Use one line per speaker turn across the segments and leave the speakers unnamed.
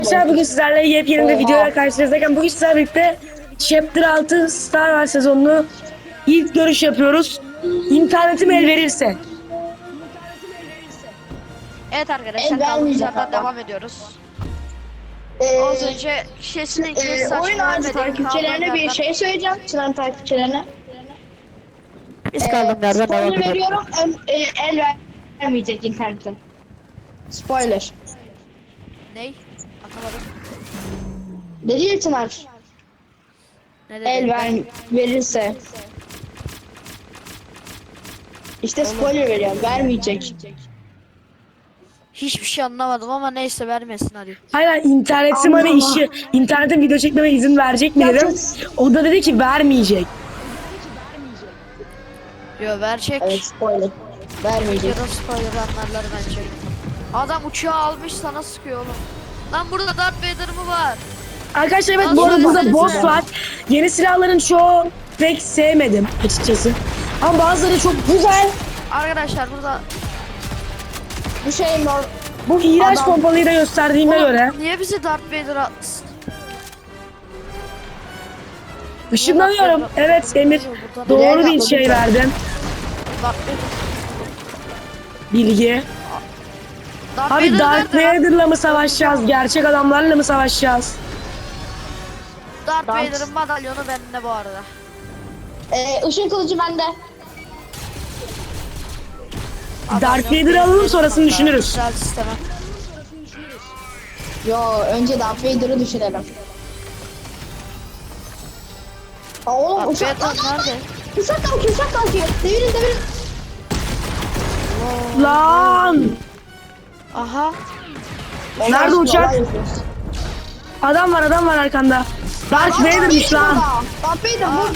Arkadaşlar bugün sizlerle yepyeni bir videoyla karşınızdayken bugün sizlerle birlikte Chapter 6 Star Wars sezonunu ilk görüş yapıyoruz. İnternetim el verirse.
Evet arkadaşlar kaldığımız yerden devam ediyoruz. Az önce kesinlikle saçma
oyun ağacı takipçilerine bir şey söyleyeceğim. Çınar takipçilerine.
Biz kaldığımız yerden devam
Spoiler
ediyoruz.
veriyorum. El vermeyecek internetten. Spoiler.
Ney? Atamadım.
Dedi ya Çınar.
Ne dedi?
Verirse. İşte spoiler veriyorum. Vermeyecek.
Hiçbir şey anlamadım ama neyse vermesin hadi.
Hayır, internetim hani işi, internetin video çekmeme izin verecek mi dedim. O da dedi ki vermeyecek.
Yo verecek.
Evet spoiler. Vermeyecek.
Yarın spoiler anlarlar bence. Adam uçağı almış sana sıkıyor oğlum. Lan burada Darth Vader mı var?
Arkadaşlar evet,
Nasıl
bu arada burada
söylesenize?
boss var. Yeni silahların çoğu pek sevmedim açıkçası. Ama bazıları çok güzel.
Arkadaşlar burada
Bu şey normal.
Bu iğrenç
Adam-
pompalıyı da gösterdiğime
Oğlum,
göre.
niye bizi Darth Vader atsın?
Işınlanıyorum. Evet Emir, doğru bir şey verdin.
Darth Vader.
Bilgi.
Darth
Abi
Vader
Darth
nerede lan?
Vader'la mı savaşacağız? Gerçek adamlarla mı savaşacağız?
Darth Vader'ın madalyonu bende bu arada.
Işın kılıcı bende.
Darth Vader'ı alalım, sonrasını düşünürüz.
Güzel sisteme.
Yo önce Darth Vader'ı düşünelim. Aa, oğlum
Darth
uçak
Vader nerede?
Uçak kalkıyor. Devirin.
Lan!
Aha.
Nerede uçak?
Olay yapıyoruz.
Adam var arkanda. Darth Vader'mış lan.
Darth Vader burada.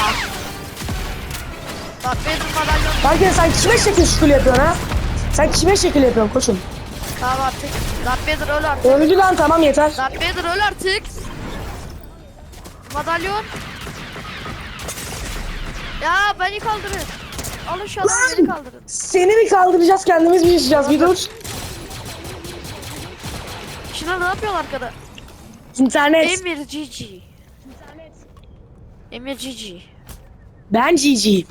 Darth Vader madalyonu.
Belki sen kime şekil şükür yapıyorsun ha? Sen kime şekil yapıyorsun koçum?
Tamam artık. Darth Vader öl artık.
Öldü lan, tamam yeter.
Darth Vader öl artık. Madalyon. Ya beni kaldırın. Alın şu adamı beni kaldırın.
Seni mi kaldıracağız, kendimiz mi yaşayacağız? Bir dur.
Şunlar ne yapıyorlar arkada?
İnternet.
Emir GG. Emir GG.
Ben GG.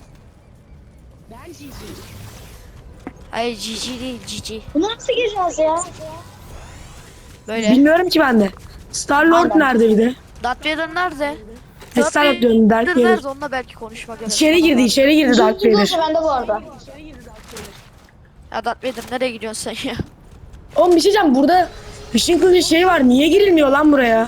Hayır GG değil GG.
Bunu nasıl gireceğiz ya?
Böyle.
Bilmiyorum ki ben de. Star Lord
Aynen.
nerede bir de?
Darth Vader nerede?
Star Lord diyorum, Darth Vader.
nerede? Onunla belki konuşmak gerek.
İçeri girdi Darth
Işın
Vader.
kılıcı bende bu arada.
Ya Darth Vader nereye gidiyorsun sen ya?
Oğlum bir şey diyeceğim, burada ışın kılıcı şey var, niye girilmiyor lan buraya?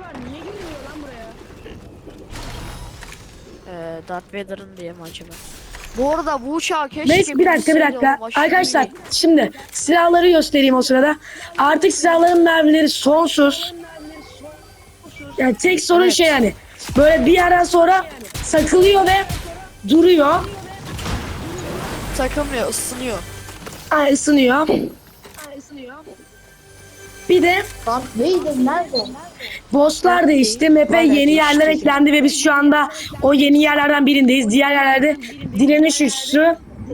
Darth Vader'ın diye mi acaba? Bu arada bu uçağı keşke
Neyse bir dakika
bilseydi oğlum, aşırı
Arkadaşlar
iyi.
şimdi silahları göstereyim o sırada. Artık silahların mermileri sonsuz. Yani tek sorun
Evet.
şey, yani böyle bir yerden sonra sakılıyor ve duruyor.
Takılmıyor, ısınıyor.
Ay, ısınıyor. Bir de
Darth Vader nerede?
bosslar değişti. Map'e yeni yerler eklendi ve biz şu anda o yeni yerlerden birindeyiz. Diğer yerlerde direniş üssü,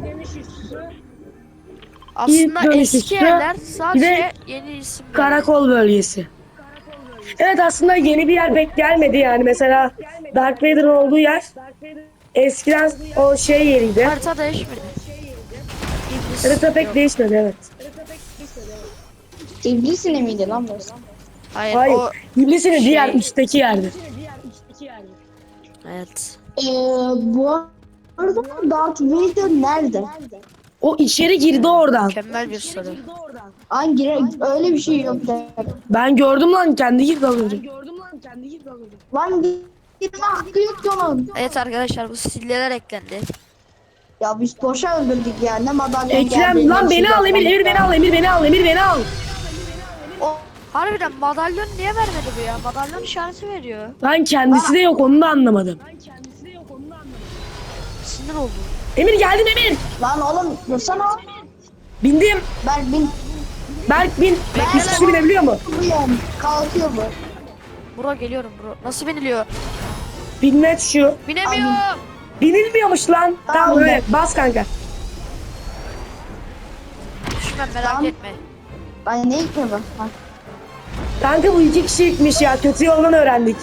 Aslında
dönüşüstü,
eski yerler
bir de
sadece yeni isim.
karakol bölgesi. Evet, aslında yeni bir yer pek gelmedi yani. Mesela Darth Vader'ın olduğu yer eskiden o şey yeriydi.
Harita değişmedi. İblis.
Harita pek
yok.
değişmedi, evet.
İblis ne miydi lan burası?
Hayır,
Hayır,
o
İblis'in
şey-
diğer üstteki yerde.
evet.
Bu arada Darth Vader nerede?
O içeri girdi oradan.
Mükemmel bir soru.
Hangi öyle bir şey yok.
Ben gördüm lan, kendi girdi az önce.
Lan girme hakkı yok ki onun.
Evet arkadaşlar bu silleler eklendi.
Ya biz boşa öldürdük ya. Ne madalyon
Ekrem lan, beni al Emir, Emir beni al.
O harbiden madalyon niye vermedi bu ya? Madalyon işareti veriyor.
Lan kendisi de yok, onu da anlamadım.
Sinir oldum.
Emir geldim Emir.
Lan oğlum dursana.
Bindim.
Ben
Berk bin. Biz kişi binebiliyor mu?
bilmiyorum. Kalkıyor bu.
Bro geliyorum bro. Nasıl biniliyor?
Binmet şu.
Binemiyorum.
Binilmiyormuş lan. Tamam öyle. Bas kanka.
Düşmem merak
Tamam.
etme.
Ben ne yıkıyorum?
Kanka bu 2 kişilikmiş ya. Kötü yoldan öğrendik.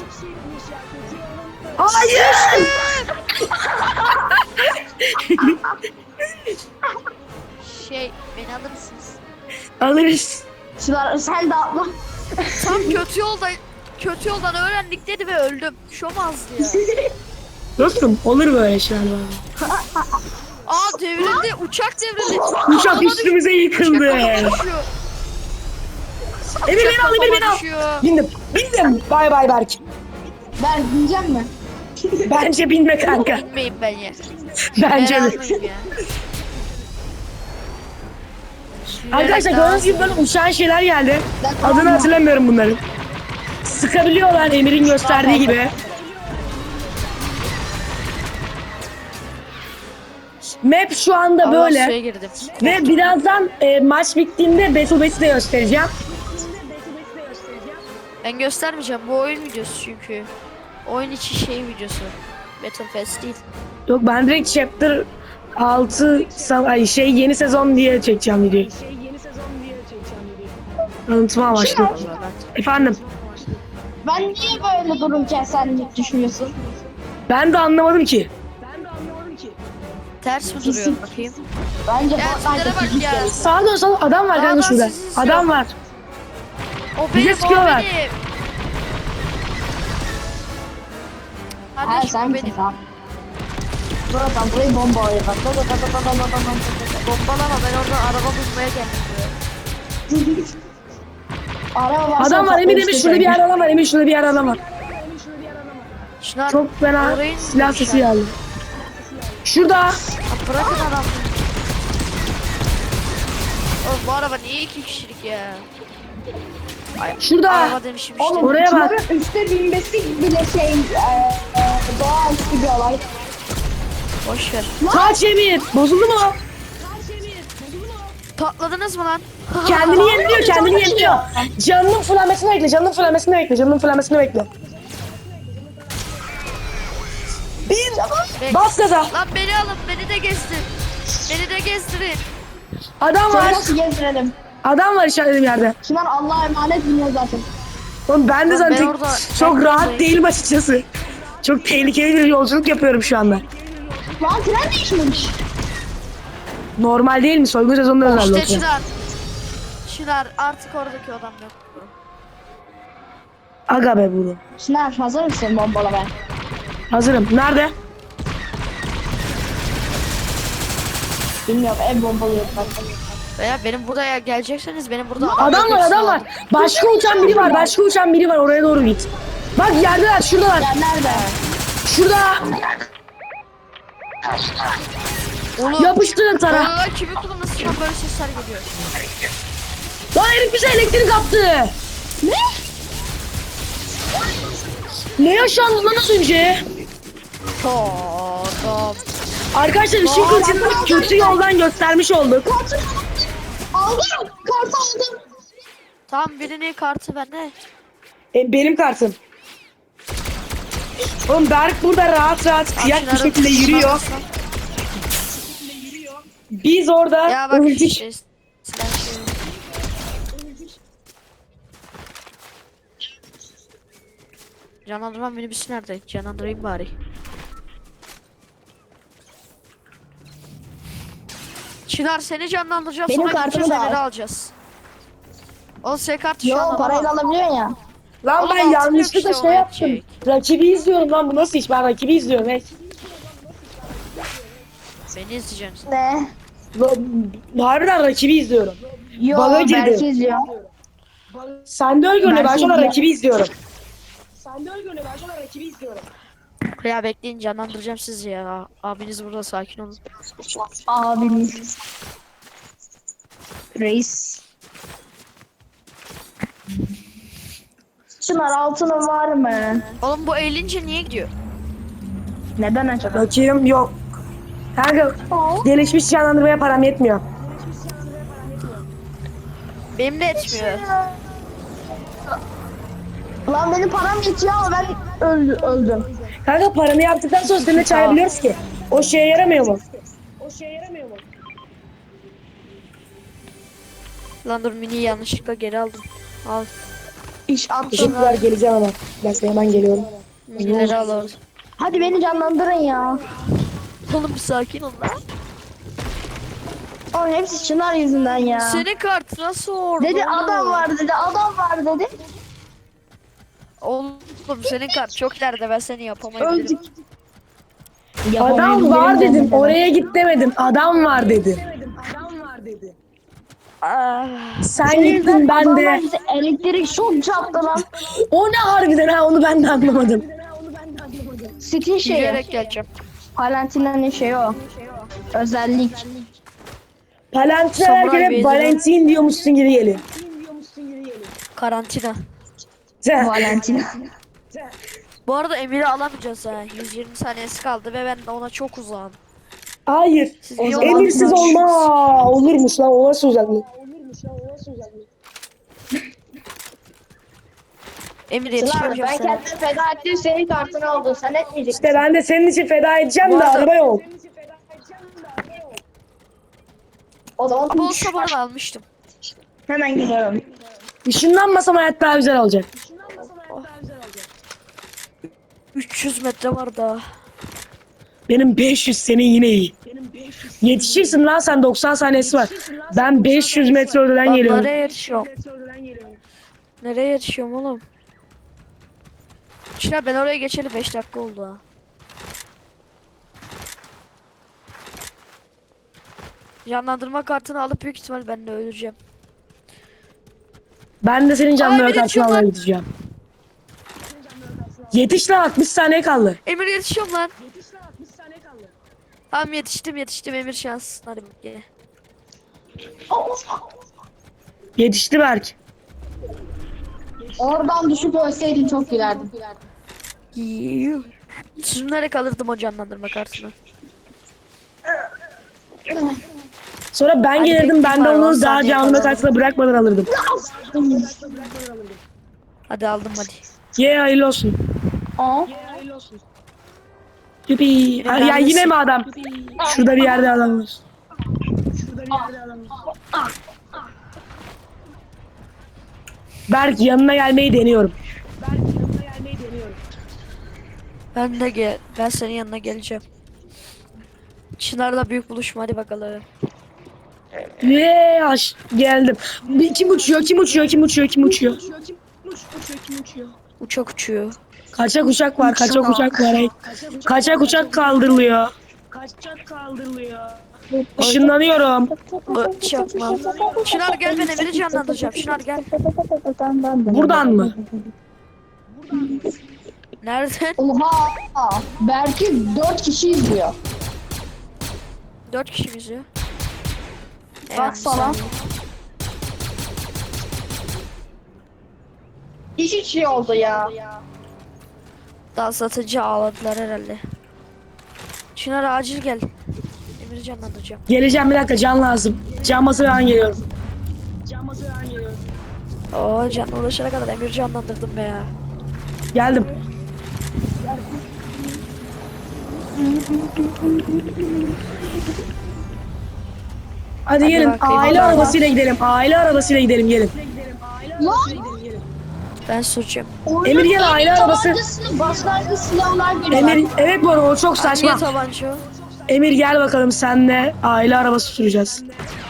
Hayır.
Beni alır mısınız?
Alırız.
Çınar sen de atla.
Tam kötü yoldan öğrendik dedi ve öldüm. Şomazdı ya.
Dostum olur böyle şeyler var.
Aa devrildi. Uçak devrildi.
Uçak
Kafama
üstümüze yıkıldı.
düşüyor.
Emir beni al, Emir beni al.
Düşüyor.
Bindim. Bay bay Berk.
Ben bineceğim mi?
Bence binme kanka.
Bilmeyeyim ben ya.
Bence
Ben
de.
almayayım ya.
Arkadaşlar gördüğünüz gibi böyle uçan şeyler geldi.
Ben
Adını hatırlamıyorum bunların. Sıkabiliyorlar Emir'in gösterdiği gibi. Map şu anda
Allah suya
böyle.
girdim.
Ve birazdan maç bittiğinde Battle Pass'i de göstereceğim.
Ben göstermeyeceğim. Bu oyun videosu çünkü. Oyun içi şey videosu. Battle Pass değil.
Yok ben direkt Chapter 6 yeni sezon diye çekeceğim videoyu. Tanıtma amaçlı.
Vallahi ben.
Efendim
Ben niye böyle dururken sen düşünüyorsun?
ben de anlamadım ki.
Ters mi duruyor bakayım?
Bence
Ya
Fortnite'da
sizlere bak
fizik
ya.
gerekiyor.
Sağa dön sağa adam var kanka
Dağdan
şurada.
sizi izliyor.
Adam var.
O
Bize
benim, o
sıkıyorlar.
benim.
Ha
Kardeşim
sen
o
misin
benim.
sen? Buradan burayı bombalıyor bak.
Bombalama, ben oradan araba bulmaya geldim.
Araba varsa
Adam var Emir şurada bir yer adam var. Emir şurada bir yer adam var.
Şunlar
Çok fena
orayı
silah
indirmişler.
sesi geldi. Şurada.
Ya bırakın adam. Oğlum bu araba niye 2 kişilik ya?
Şurada.
Araba demişim işte.
Oğlum
Oraya bak.
Çınar'ın üstte binmesi bile doğaüstü bir olay.
Boş ver.
Kaç Emir. Bozuldu mu?
Patladınız mı lan?
Kendini yeniliyor, kendini yeniliyor. Canının fırlamasını bekle, canının fırlamasını bekle, canının fırlamasını bekle.
Bek-
Bas gaza.
Lan beni alın, beni de gezdir. Beni de gezdirin.
Adam
Seni
var.
nasıl gezdirelim?
Adam var işaretlediğim yerde.
Çınar Allah'a emanet biniyor zaten.
Oğlum ben de
Oğlum ben
zaten
orada-
çok
ben
rahat
oradayım.
değilim açıkçası. Çok tehlikeli bir yolculuk yapıyorum şu anda.
Lan tren değişmemiş.
Normal değil mi? Soygun sezonunda özel
İşte
yoksa.
Çınar artık oradaki adam yok.
Aga be bunu.
Çınar hazır mısın bombalamaya?
Hazırım. Nerede?
Bilmiyorum ev bombalıyor bak.
Veya benim buraya gelecekseniz benim burada
Adam var, adam var. Başka uçan biri var, başka uçan biri var. Oraya doğru git. Bak yerdeler, şuradalar.
Ya nerede?
Şurada.
Oğlum.
Yapıştırın tara.
Vallahi kimin kullanmasından böyle sesler geliyor.
Lan herif bize elektrik attı.
Ne?
Ne yaşandı lan az önce?
Tamam.
Arkadaşlar ışın kılıcını kötü yoldan göstermiş olduk.
Kartı aldım. Kartı aldım.
Tamam birinin kartı bende.
Benim kartım. Oğlum Berk burada rahat rahat kıyak bir
Çınar'ın
şekilde yürüyor.
kullanmasına-
Biz orada
Ya bak
öldük.
işte. Silah şey. Canlandırma minibüsü nerede? Canlandırayım bari. Çınar seni canlandıracağım,
Benim
sonra
kartımı
gideceğiz
da al.
Fener'i alacağız. O S kartı şu
Yo
anda
parayla
bana.
alabiliyorsun ya.
Lan
Oğlum
ben
altın yok
yanlışlıkla
işte,
şey
o
yaptım.
yetecek.
Rakibi izliyorum lan bu nasıl iş? Ben rakibi izliyorum. Hey.
Beni izleyeceksin.
Ne?
Harbiden rakibi izliyorum.
Yo
Bana girdi.
belki izliyor.
Sen de öyle görünüyor. Ben
Belki
şu an
izliyor.
rakibi izliyorum. Sen de öyle görünüyor. Ben şu an rakibi izliyorum.
Ya bekleyin, canlandıracağım sizi ya. Abiniz burada, sakin olun.
Abimiz. Reis. Çınar altının var mı?
Oğlum bu eğilince niye gidiyor?
Neden acaba?
Rakibim yok. Kanka gelişmiş canlandırmaya param yetmiyor.
Benim de etmiyor.
Lan benim param yetiyor ama ben öldüm.
Kanka paranı yaptıktan sonra seninle çağırabiliyoruz ki. O şeye yaramıyor mu?
Lan dur, mini yanlışlıkla geri aldım. Al.
İş attım.
Teşekkürler, geleceğim ama. Ben hemen geliyorum.
Milleri alırız.
Hadi beni canlandırın ya.
Oğlum bir sakin ol lan.
Oğlum hepsi Çınar yüzünden ya.
Senin kart nasıl orada?
Dedi
oğlum?
adam var dedi, adam var dedi.
Oğlum senin kart çok ileride, ben seni yapamayabilirim.
Öldük.
Adam var dedim. Oraya git demedim. Adam var dedim.
Ah,
Sen gittin, ben
Adamlar
de.
bize elektrik şok çarptı lan.
O ne harbiden ha, onu ben de anlamadım.
Steam şeyi.
yürüyerek geleceğim.
Valentina'nın şeyi o. Özellik.
Palantir
Samuray
herkese
Bey'de.
Valentin diyormuşsun gibi geliyor.
Karantina.
Valentina.
Bu arada Emir'i alamayacağız ha. 120 saniyesi kaldı ve ben ona çok uzağım.
Hayır.
Siz
O
iyi
zaman
Emirsiz
olmadınız.
olma. Olurmuş lan, o nasıl uzaklık?
Emir
Çınar
yetişemeyeceğim
ben
sana.
kendimi feda ettim, senin kartını aldın. Sen etmeyeceksin.
İşte ben de senin için feda edeceğim
Bu
de
arada-
araba yok.
O zaman
Ama olsa bana almıştım.
hemen gidiyorum.
Işınlanmasam hayat daha güzel olacak.
300 metre var daha.
Benim 500, senin yine iyi. Yetişirsin lan, sen 90 saniyesi var. Ben 500 metre öteden
Ben
geliyorum.
nereye yetişiyorum? Nereye yetişiyorum oğlum? Çınar ben oraya geçeli 5 dakika oldu ha. Canlandırma kartını alıp büyük ihtimal ben de öleceğim.
Ben de senin canlı
Ay, bir de
kartını
çıkma.
almaya gideceğim. Yetiş lan, 60 saniye kaldı.
Emir yetişiyorum lan. Tamam yetiştim Emir şans. Hadi gel.
Yetişti Berk.
Oradan düşüp ölseydin çok gülerdim.
Yuh. Sürünerek kalırdım o canlandırma kartını.
Sonra ben
Hadi
gelirdim,
bekle
ben de
bari, 10
onu daha
saniye
canlı
kala.
kartına bırakmadan alırdım.
Hadi aldım hadi.
Ye, hayırlı olsun.
Aa.
Yupi. Ya
neredesin?
yine mi adam? Şurada bir yerde adam var. Berk, yanına gelmeyi deniyorum.
Ben senin yanına geleceğim. Çınar'la büyük buluşma hadi bakalım.
Ve geldim. Kim uçuyor? Kim uçuyor? Kim uçuyor? Kim uçuyor?
Uçak uçuyor.
Kaçak uçak var. Kaçak uçak var. Hey. Kaçak uçak kaldırılıyor. Işınlanıyorum.
Çakma. Çınar gel, ben Emir'i canlandıracağım. Çınar gel.
Buradan mı?
Nereden?
Oha! Belki 4 kişi izliyor.
4 kişi bizi.
Baksana. İş şey oldu ya.
Daha satıcı ağladılar herhalde. Çınar acil gel. Emir'i canlandıracağım.
Geleceğim, bir dakika, can lazım. Can basıp ben geliyorum.
Oo canla ulaşana kadar Emir'i canlandırdım be ya.
Geldim. Hadi gelin.
bakayım.
Aile
Hadi.
arabasıyla gidelim. Aile arabasıyla gidelim, gelin.
Lan!
Ben süreceğim.
Emir gel, aile arabası.
Başlangıç silahlar geliyor.
Emir, evet bu arada o çok saçma.
Niye tabanca?
Emir gel bakalım, senle aile arabası süreceğiz.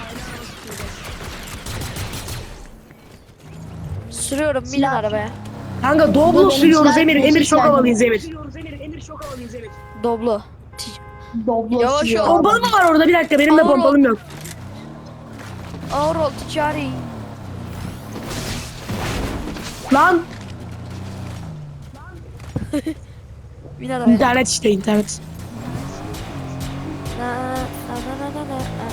Sürüyorum binin arabaya.
Kanka Doblo
benim
sürüyoruz
silah
Emir. Emir çok
silah.
havalıyız Emir.
Doblo.
Doblo
Yavaş
sürüyor.
ol.
Pompalı mı var orada? Bir dakika, benim de
Ağır ol.
pompalım yok.
Ağır ol ticari.
Lan
Bin arabaya.
internet işte, internet.
Na, na, na, na, na, na,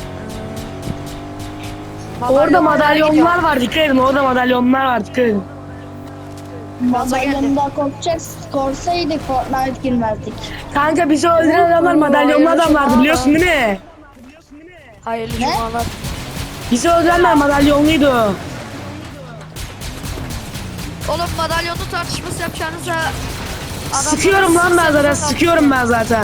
na.
Orada
Madalyonlar gidiyor.
madalyonlar var, dikkat edin. Orada madalyonlar var, dikkat edin.
Madalyonda korsaydık Fortnite girmezdik.
Kanka bizi öldüren adamlar madalyonlu
hayırlı
adamlardı,
cumalar.
biliyorsun değil mi?
Hayırlı
Ne?
cumalar.
Bizi öldürenler madalyonluydu.
Oğlum madalyonlu tartışması yapacağınıza adamlara
Sıkıyorum lan ben zaten,
sıksanıza.
sıkıyorum ben zaten.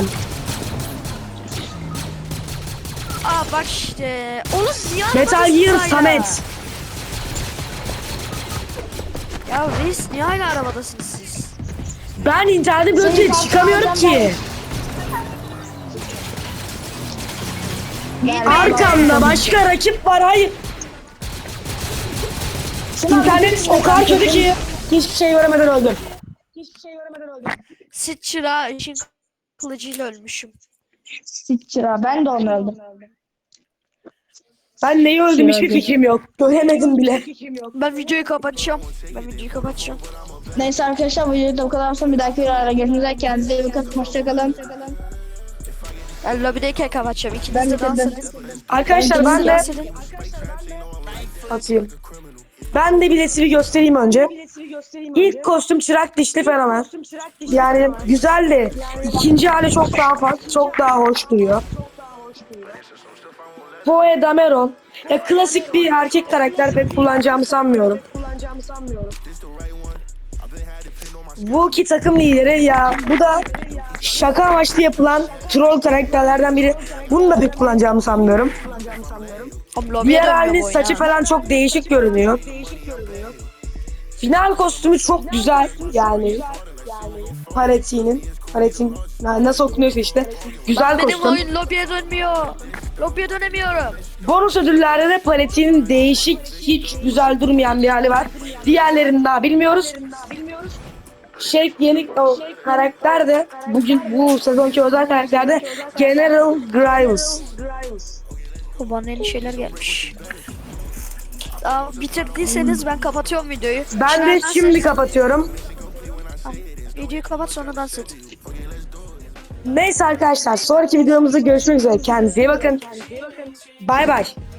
Aa bak işte. Oğlum ziyan
Metal Gear Samet.
Ya reis niye hala arabadasınız siz?
Ben internete böyle
Senin
çıkamıyorum
kartını
ki.
Gel,
Arkamda başka rakip var, hayır. İnternet o kadar kötü ki hiçbir şey göremeden öldüm.
Sit çırağı için kılıcıyla ölmüşüm.
Sıçra ben de onu öldüm.
Ben neyi öldüm hiçbir fikrim yok. Göremedim bile.
Ben videoyu kapatacağım.
Neyse arkadaşlar, bu videoda bu kadar olsun. Bir dahaki videolarda görüşmek üzere. Kendinize iyi bakın. Hoşçakalın.
Ben lobideyken kapatacağım. İkiniz
Ben
de dans
bitirdim.
edin.
Arkadaşlar ben de
Dans edin.
atayım. Ben de bilesivi göstereyim önce. İlk kostüm çırak dişli fenomen. Yani güzeldi. İkinci hali çok daha farklı, çok daha hoş duruyor. Poe Dameron. Ya klasik bir erkek karakter, pek kullanacağımı sanmıyorum. Wookie takım lideri, ya bu da şaka amaçlı yapılan troll karakterlerden biri. Bunu da pek kullanacağımı sanmıyorum.
Oğlum lobiye
Diğer
dönmüyor
halinin
bu oyun
saçı
ha.
falan çok değişik görünüyor. Final kostümü çok güzel yani. Paletin nasıl okunuyorsa işte. Güzel
Benim
kostüm.
oyun lobiye dönmüyor. Lobiye dönemiyorum.
Bonus ödüllerde de paletinin değişik, hiç güzel durmayan bir hali var. Diğerlerini daha bilmiyoruz. Yeni o karakter de bugün bu sezonki özel karakterde General Grievous.
Bana yeni şeyler gelmiş. Bitirdiyseniz ben kapatıyorum videoyu.
Ben de şimdi kapatıyorum.
Videoyu kapat sonra dans et.
Neyse arkadaşlar, sonraki videomuzda görüşmek üzere. Kendinize iyi bakın. Bay bay.